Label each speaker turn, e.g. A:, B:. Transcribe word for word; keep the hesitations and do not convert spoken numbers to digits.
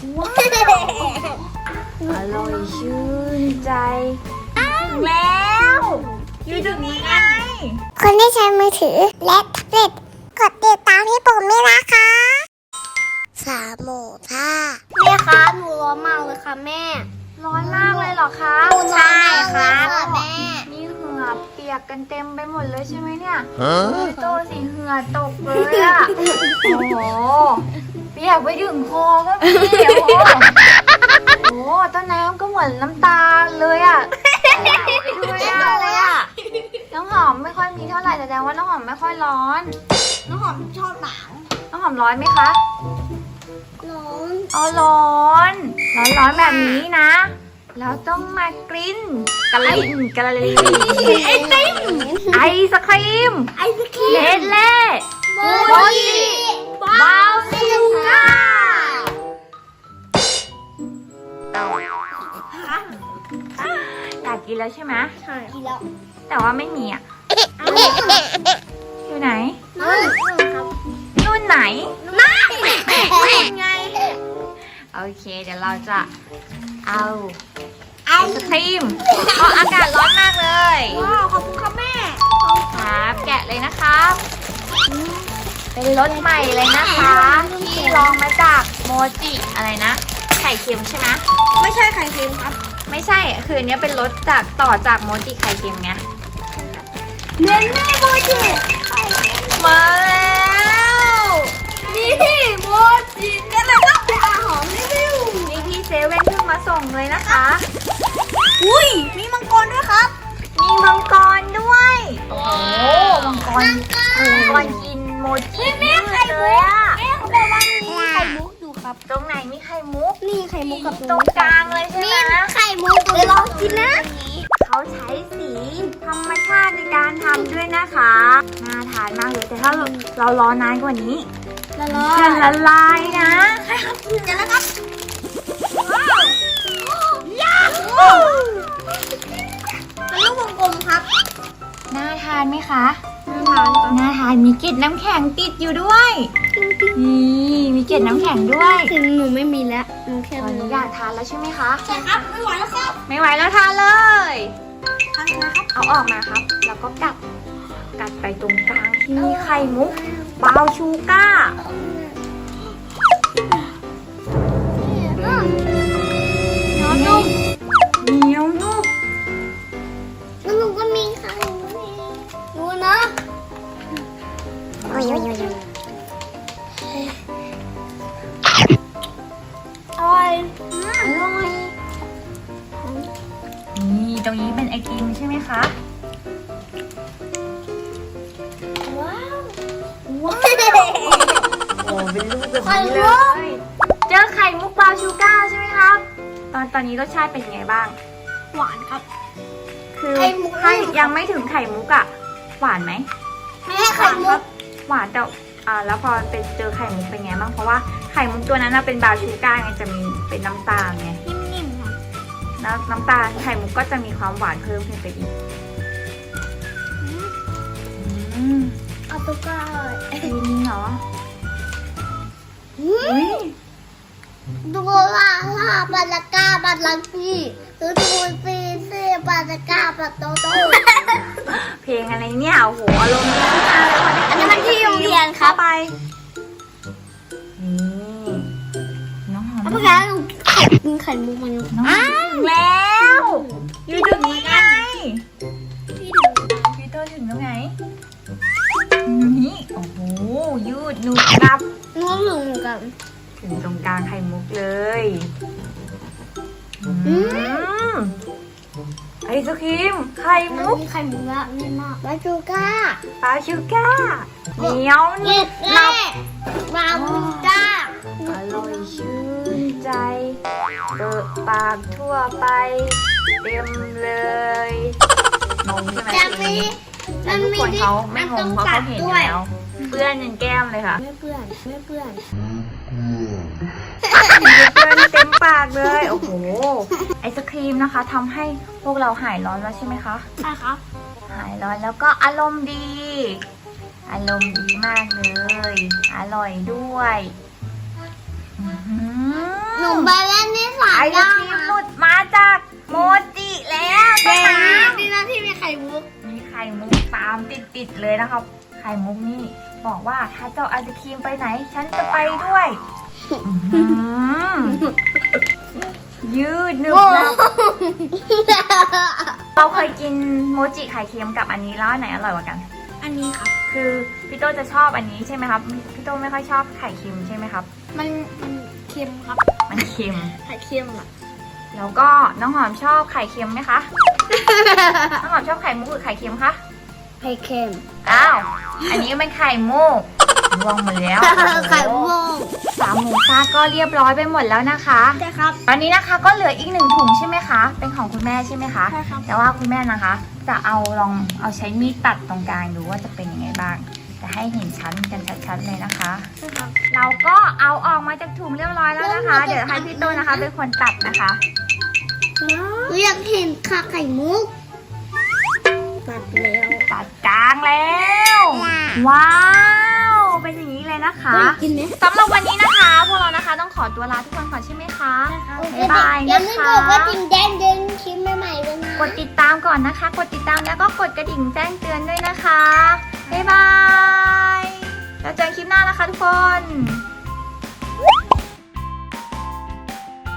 A: ว้าวอร่อยชื่นใจอ้าวแล้วอยู่ตรงนี้ไง
B: คนที่ใช้มือถือและแท็บเล็ตกดติดตามที่ผมด้วยนะคะสามหมูท่าแม่คะหนูร้อนมากเลยค่ะแม่
A: ร้อนมากเลยเหรอคะ
B: ใช่ค่ะแม่
A: นี่เหงื่อเปียกกันเต็มไปหมดเลยใช่ไหมเนี่ยพี่โตสิเหงื่อตกเลยอะโอ้โหเปียกไปถึงคอก็มีโอ้โหโอ้ต้นน้ำก็เหมือนน้ำตาเลยอะดูไม่ได้เลยอะน้องหอมไม่ค่อยมีเท่าไหร่แสดงว่าน้องหอมไม่ค่อยร้อน
B: น้องหอมชอบหนาว
A: น้องหอมร้อนไหมคะ
B: ร้อน
A: อ๋อร้อนร้อนร้อนแบบนี้นะเราต้องมากรินกะลินกะลิน
B: ไอติม
A: ไอศครีม
B: ไอศครีม
A: เลดเล่
B: โมจิ
A: บาวซูก้าอยากกินแล้วใช่ไหม
B: ใช่กินแล้ว
A: แต่ว่าไม่มีอ่ะอยู่ไหน
B: นู่นครับ
A: นู่นไหน
B: นั่นไง
A: โอเคเดี๋ยวเราจะเอาไอศครีมเพราะอากาศร้อนมากเลย
B: ว้าวขอบคุณครับแม่
A: ครับแกะเลยนะครับเป็นรสใหม่เลยนะคะที่ลองมาจากโมจิอะไรนะไข่เค็มใช่ไหม
B: ไม่ใช่ไข่เค็มครับ
A: ไม่ใช่คืออันนี้เป็นรสจากต่อจากโมจิไข่เค็มไง
B: เนื้อแม่โมจิ
A: มาแล้ว
B: นี่โมจิกันเลยครับอาหอมรีวิว
A: นี่พี่เซเว่นเพิ่งมาส่งเลยนะคะ
B: อุ้ยมีมังกรด้วยครับ
A: มีมังกรด้วยโอ้มังกรมังกรกินโมจิ
B: แม่ไข่มุกแม่เขาบอกว่ามีไข่มุกอยู่ครับ
A: ตรงไหนมีไข่มุก
B: นี่ไข่มุกกับ
A: ตรงกลางเลยใช่ไหม
B: นี่ไข่มุกเดี๋ยวลองกินนะ
A: เขาใช้สีธรรมชาติในการทำด้วยนะคะน่าทานมากเลยแต่ถ้าเราเรารอนานกว่านี้
B: ละลาย
A: จะละลายนะ
B: ใช่ครับกินกันแล้วครับว้าวยาเป็นลูกวงกลมครับ
A: น่าทานไหมคะ
B: น่าทาน
A: น่าทานมีเกล็ดน้ำแข็งติดอยู่ด้วยนี่มีเกล็ดน้ำแข็งด้วย
B: ถึงหนูไม่มีแล้วหนูแค่
A: ตอนนี้อยากทานแล้วใช่ไหมคะ
B: ใช่ครับไม่ไหวแล้วครับ
A: ไม่ไหวแล้วทานเลย
B: ทานนะครับ
A: เอาออกมาครับแล้วก็กัดกัดไปตรงกลางที่มีไข่มุกบาวชูก้าเหนียวนุ่มเหนียวนุ่ม
B: แล้วหนูก็มีไข่ดูนะโอ้ยโอ้ยโอ้ยอร่อย
A: อร่อยนี่ตรงนี้เป็นไอติมใช่ไหมคะ
B: ว้าวว้าว
A: โอ้เป็นลูกแบบนี้เลยเจอไข่มุกบราวน์ชูการ์ใช่ไหมครับตอนตอนนี้รสชาติเป็นยังไงบ้าง
B: หวานครับ
A: คือถ้ายังไม่ถึงไข่มุกอะหวานไหม
B: ไม่ใช่ไข่มุก
A: หวานแต่อ่าแล้วพอเป็นเจอไข่มุกเป็นไงบ้างเพราะว่าไข่มุกตัวนั้นเป็นบราวน์ชูการ์ไงจะมีเป็นน้ำตาลไง
B: นิ่มๆค่ะ
A: แล้วน้ำตาลไข่มุกก็จะมีความหวานเพิ่มขึ้นไปอีก
B: เอาตุ๊กตา
A: จริงเหรอ
B: ดูลาลาบาลากาบาลังปีดูดูซีซีบาลากาบาโตโต
A: เพลงอะไรเนี่ยโอ้โหอารมณ์ดีมากเลย
B: อันนี้มันที่โรงเรียนครับ
A: ไปนี่น้องหอม
B: เมื่อกี้หนูไข่กินไข่มุกมัน
A: อ้าวแล้วอยู่ตรงนี้ไง
B: พี่ถึง
A: พี่โตถึงตรงไหนนี่โอ้โหยืดหนุบกลับ
B: น้องหนึ่งกัน
A: ถึงตรงกลางไข่มุกเลยไอศครีมไข่มุก
B: ไข่มุกละนี่มากบาชูก้า
A: บาชูก้าเหนียวนิดนั
B: บบาชูก้า
A: อร่อยชื่นใจเปิดปากทั่วไปเต็มเลยงงใช่ไหมแล้วทุกคนเขาไม่งงเพราะเขาเห็นแล้วเปื้อนยันแก้มเลยค่ะ
B: ไม่เปื้อนไม่เปื้อน
A: เปื้อนเต็มปากเลยโอ้โหไอศครีมนะคะทำให้พวกเราหายร้อนแล้วใช่ไหมคะ
B: ใช่ครับ
A: หายร้อนแล้วก็อารมณ์ดีอารมณ์ดีมากเลยอร่อยด้วย
B: มีหนูไปเล่นที่สา
A: ไอ
B: ม
A: ศ
B: ย่า
A: ครีมหลุดมาจากโมจิแล้วต้นน้ำ
B: ดีนะที่มีไข่มุก
A: มีไข่มุกตามติดๆเลยนะครับ ไข่มุกนี่บอกว่าถ้าเจ้าไอศครีมไปไหน ฉันจะไปด้วยอื้อหือยืดหนึบหนับเราเคยกินโมจิไข่เค็มกับอันนี้แล้วอันไหนอร่อยกว่ากัน
B: อันนี้ครับ
A: คือพี่โตจะชอบอันนี้ใช่ไหมครับพี่โตไม่ค่อยชอบไข่เค็มใช่ไหมครับ
B: มันมันเค็มครับ
A: มันเค็ม
B: ไข่เค็มอ่ะ
A: แล้วก็น้องหอมชอบไข่เค็มไหมคะ น้องหอมชอบไข่มุกหรือไข่เค็มคะ
B: ไข่เค็ม
A: อ้าว อันนี้เป็นไข่มุกรวงหมดแล้ว
B: ไข่มุก
A: สามหมูซ่าก็เรียบร้อยไปหมดแล้วนะคะ
B: ใช่ครับ
A: ตอนนี้นะคะก็เหลืออีกหนึ่งถุงใช่ไหมคะ เป็นของคุณแม่ใช่ไหมคะ
B: ใช่ครับ
A: แต่ว่าคุณแม่นะคะ จะเอาลองเอาใช้มีดตัดตรงกลางดูว่าจะเป็นยังไงบ้าง จะให้เห็นชั้นกันชัดๆเลยนะคะ
B: ใช่ครับ
A: เราก็เอาออกมาจากถุงเรียบร้อยแล้วนะคะ
B: เริ่มมาจาก
A: เดี๋ยวให้พี่โตนะคะเป็นคนตัดนะคะ
B: หนูอยากเห็นค่ะไข่มุกตัดแล้ว
A: ตัดกลางแล้ว ว้าว เป็นอย่างนี้เลยนะคะ
B: กินไหม
A: สำหรับวันนี้นะคะ พวกเรานะคะต้องขอตัวลาทุกคนก่อนใช่ไหมคะ บ๊ายบาย
B: อย่า
A: นะ
B: ลืม
A: คะ
B: กดกระดิ่งแจ้งเตือนคลิปใหม่ๆด้วยนะ
A: กดติดตามก่อนนะคะ กดติดตามแล้วก็กดกระดิ่งแจ้งเตือนด้วยนะคะ บ๊ายบาย แล้วเจอกันคลิปหน้านะคะทุกคน